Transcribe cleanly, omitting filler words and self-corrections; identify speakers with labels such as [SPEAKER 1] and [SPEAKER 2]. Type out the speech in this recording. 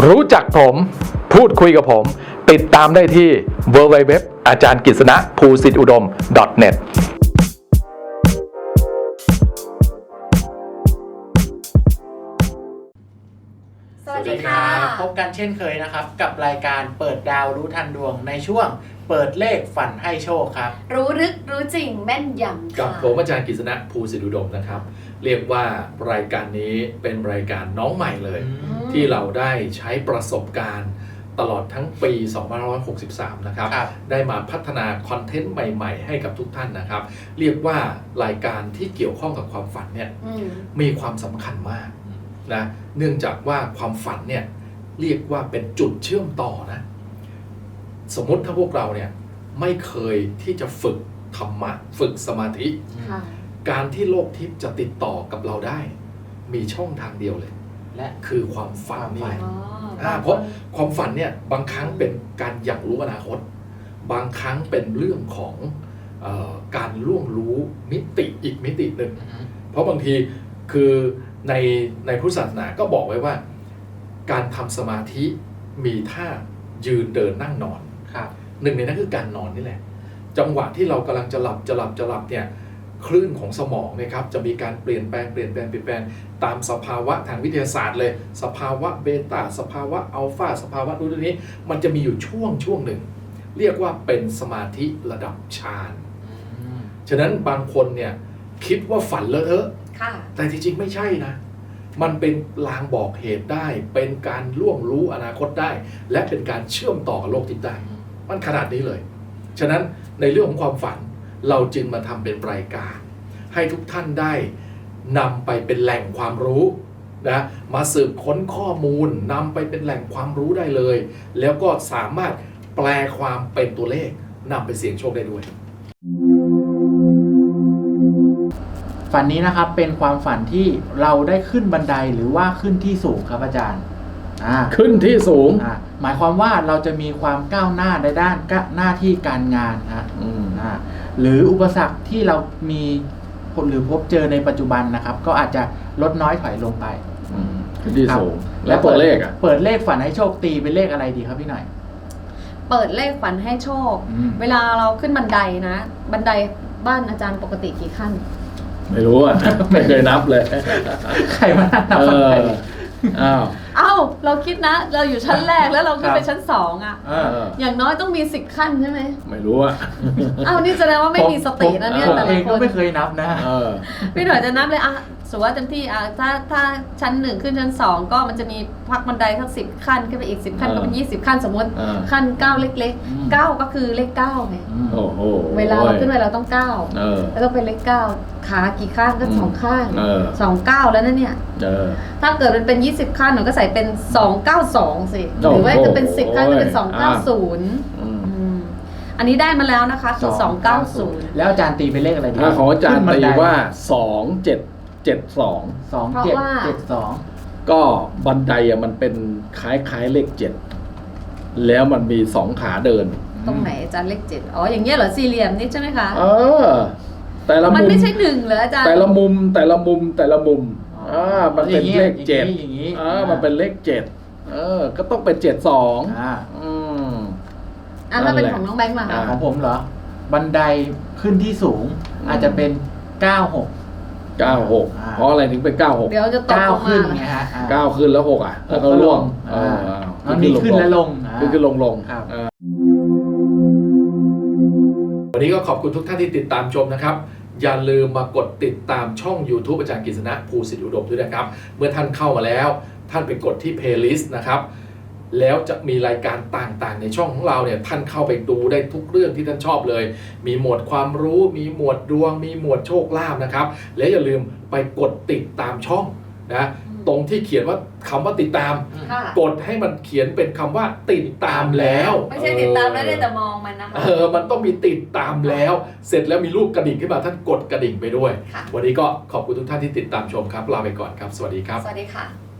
[SPEAKER 1] รู้จักผมพูดคุยกับผมติดตามได้ที่ www อาจารย์กฤษณะภูสิทธิอุดม .net
[SPEAKER 2] สวัสดีค่ะพบกันเช่นเคยนะครับกับรายการเปิดดาวรู้ทันดวงในช่วงเปิดเลขฝันให้โชคครับ
[SPEAKER 3] รู้ลึกรู้จริงแม่นยำ
[SPEAKER 4] กับผมอาจารย์กฤษณะภูสิทธิอุดมนะครับเรียกว่ารายการนี้เป็นรายการน้องใหม่เลยที่เราได้ใช้ประสบการณ์ตลอดทั้งปี 2563 นะครับได้มาพัฒนาคอนเทนต์ใหม่ๆให้กับทุกท่านนะครับเรียกว่ารายการที่เกี่ยวข้องกับความฝันเนี่ยมีความสำคัญมากนะเนื่องจากว่าความฝันเนี่ยเรียกว่าเป็นจุดเชื่อมต่อนะสมมติถ้าพวกเราเนี่ยไม่เคยที่จะฝึกธรรมะฝึกสมาธิการที่โลกทิพย์จะติดต่อกับเราได้มีช่องทางเดียวเลยและคือความฝันนี่เพราะความฝันเนี่ยบางครั้งเป็นการอยากรู้อนาคตบางครั้งเป็นเรื่องของการล่วงรู้มิติอีกมิติหนึ่งเพราะบางทีคือในพุทธศาสนาก็บอกไว้ว่าการทำสมาธิมีท่ายืนเดินนั่งนอนหนึ่งในนั้นคือการนอนนี่แหละจังหวะที่เรากำลังจะหลับเนี่ยคลื่นของสมองนะครับจะมีการเปลี่ยนแปลงตามสภาวะทางวิทยาศาสตร์เลยสภาวะเบต้าสภาวะอัลฟาสภาวะรุ่นนี้มันจะมีอยู่ช่วงหนึ่งเรียกว่าเป็นสมาธิระดับฌานฉะนั้นบางคนเนี่ยคิดว่าฝันเลอะเทอะแต่จริงๆไม่ใช่นะมันเป็นลางบอกเหตุได้เป็นการล่วงรู้อนาคตได้และเป็นการเชื่อมต่อกับโลกทิพย์ได้มันขนาดนี้เลยฉะนั้นในเรื่องของความฝันเราจึงมาทำเป็นรายการให้ทุกท่านได้นำไปเป็นแหล่งความรู้นะมาสืบค้นข้อมูลนำไปเป็นแหล่งความรู้ได้เลยแล้วก็สามารถแปลความเป็นตัวเลขนำไปเสี่ยงโชคได้ด้วย
[SPEAKER 2] ฝันนี้นะครับเป็นความฝันที่เราได้ขึ้นบันไดหรือว่าขึ้นที่สูงครับอาจารย์
[SPEAKER 4] ขึ้นที่สูง
[SPEAKER 2] หมายความว่าเราจะมีความก้าวหน้าในด้านหน้าที่การงานหรืออุปสรรคที่เรามีหรือพบเจอในปัจจุบันนะครับก็อาจจะลดน้อยถอยลงไป
[SPEAKER 4] ขึ้นที่สูงแล้วเปิดเลข
[SPEAKER 2] เปิดเลขฝันให้โชคตีเป็นเลขอะไรดีครับพี่หน่อย
[SPEAKER 3] เปิดเลขฝันให้โชคเวลาเราขึ้นบันไดนะบันไดบ้านอาจารย์ปกติกี่ขั้น
[SPEAKER 4] ไม่รู้อ่ะไม่เคยนับเลย
[SPEAKER 2] ใครมานับ
[SPEAKER 3] เราคิดนะเราอยู่ชั้นแรกแล้วเราขึ้นไปชั้น2อย่างน้อยต้องมี10ขั้นใช่ไหม
[SPEAKER 4] ไม่รู้อ่ะ
[SPEAKER 3] นี่แสดงว่าไม่มีสตินะเนี่ย
[SPEAKER 2] แต่ละคนก็ไม่เคยนับนะ
[SPEAKER 3] พี่หน่อยจะนับเลยสมมติว่าเต็มที่ถ้าชั้น1ขึ้นชั้น2ก็มันจะมีพักบันไดทั้ง10ขั้นขึ้นไปอีก10ขั้นก็เป็น20ขั้นสมมติขั้น9เล็กๆ9ก็คือเลข9ไงเวลาเราขึ้นไปเราต้อง9แล้วต้องเป็นเลข9ขากี่ข้างก็2ข้าง2 9แล้วนั่นเนี่ยถ้าเกิดมันเป็น20ขั้นหนูก็ใส่เป็น292สิหรือว่าจะเป็น10ขั้นก็เป็น290อันนี้ได้มาแล้วนะคะคือ290
[SPEAKER 2] แล้วอาจารย์ตีเป็นเลขอะไรดี
[SPEAKER 4] ของอาจารย์ตีว่า2772ก็บันไดมันเป็นคล้ายเลข7แล้วมันมี2ขาเดิน
[SPEAKER 3] ตรงไหนอาจารย์เลข7อย่างเงี้ยเหรอสี่เหลี่ยมนี่ใช่ไหมคะ
[SPEAKER 4] แต่ละมุม
[SPEAKER 3] มันไม่ใช่1เหรออาจารย์
[SPEAKER 4] แต่ละมุมมันเป็นเลข7อย่างนี้มันเป็นเลข7ก็ต้องเป็น72
[SPEAKER 3] ถ้าเป็นของน้องแบงค์ล่ะ
[SPEAKER 2] ของผมเหรอบันไดขึ้นที่สูงอาจจะเป็น96
[SPEAKER 4] เพราะอะไรถึงเป็น96
[SPEAKER 3] เดี๋ยวจะตกลง
[SPEAKER 2] ขึ้นไงฮะ
[SPEAKER 4] 9ขึ้นแล้ว6แล้วก็ล่วง
[SPEAKER 2] มันมีขึ้นและลง
[SPEAKER 4] ขึ้นลงวันนี้ก็ขอบคุณทุกท่านที่ติดตามชมนะครับอย่าลืมมากดติดตามช่อง YouTube อาจารย์กฤษณะภูสิทธิอุดมด้วยนะครับเมื่อท่านเข้ามาแล้วท่านไปกดที่ Playlist นะครับแล้วจะมีรายการต่างๆในช่องของเราเนี่ยท่านเข้าไปดูได้ทุกเรื่องที่ท่านชอบเลยมีหมวดความรู้มีหมวดดวงมีหมวดโชคลาภนะครับและอย่าลืมไปกดติดตามช่องนะตรงที่เขียนว่าคำว่าติดตามกดให้มันเขียนเป็นคำว่าติดตามแล้ว
[SPEAKER 3] ไม่ใช่ติดตามแล้วได้แต่มองมันนะคะ
[SPEAKER 4] มันต้องมีติดตามแล้วเสร็จแล้วมีรูปกระดิ่งขึ้นมาท่านกดกระดิ่งไปด้วยวันนี้ก็ขอบคุณทุกท่านที่ติดตามชมครับลาไปก่อนครับสวัสดีครับ
[SPEAKER 3] สวัสดีค่ะ